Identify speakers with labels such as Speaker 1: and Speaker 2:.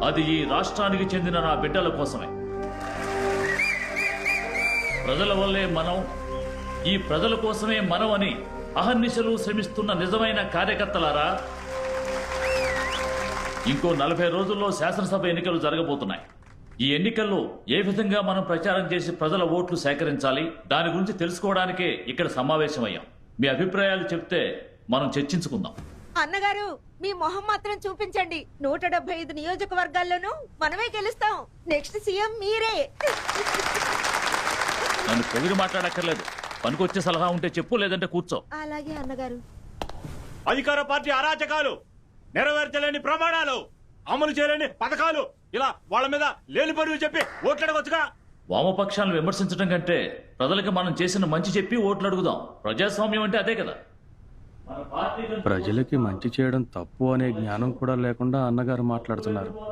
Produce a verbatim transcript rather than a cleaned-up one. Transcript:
Speaker 1: అది ఈ రాష్ట్రానికి చెందిన నా బిడ్డల కోసమే. ప్రజల వల్లే మనం, ఈ ప్రజల కోసమే మనం అని అహర్నిశలు శ్రమిస్తున్న నిజమైన కార్యకర్తలారా, ఇంకో నలభై రోజుల్లో శాసనసభ ఎన్నికలు జరగబోతున్నాయి. ఈ ఎన్నికల్లో ఏ విధంగా మనం ప్రచారం చేసి ప్రజల ఓట్లు సేకరించాలి, దాని గురించి తెలుసుకోవడానికే ఇక్కడ సమావేశమయ్యాం. మీ అభిప్రాయాలు చెప్తే మనం చర్చించుకుందాం.
Speaker 2: అన్నగారు, మీ మొహం మాత్రం చూపించండి. నూట డెబ్బై ఐదు నియోజకవర్గాల్లోనూ మనమే గెలుస్తాం. నెక్స్ట్ సీఎం మీరే.
Speaker 1: నన్ను పొగిడి మాట్లాడక్కర్లేదు. పనికొచ్చే సలహా ఉంటే చెప్పు, లేదంటే కూర్చో.
Speaker 2: అలాగే అన్నగారు.
Speaker 3: అధికార పార్టీ అరాచకాలు, నెరవేర్చలేని ప్రమాణాలు, అమలు చేయలేని పథకాలు, ఇలా వాళ్ళ మీద లేని పరువు చెప్పి ఓట్లడవచ్చుగా.
Speaker 1: వామపక్షాలను విమర్శించడం కంటే ప్రజలకు మనం చేసిన మంచి చెప్పి ఓట్లు అడుగుదాం. ప్రజాస్వామ్యం అంటే అదే కదా.
Speaker 4: ప్రజలకి మంచి చేయడం తప్పు అనే జ్ఞానం కూడా లేకుండా అన్నగారు మాట్లాడుతున్నారు.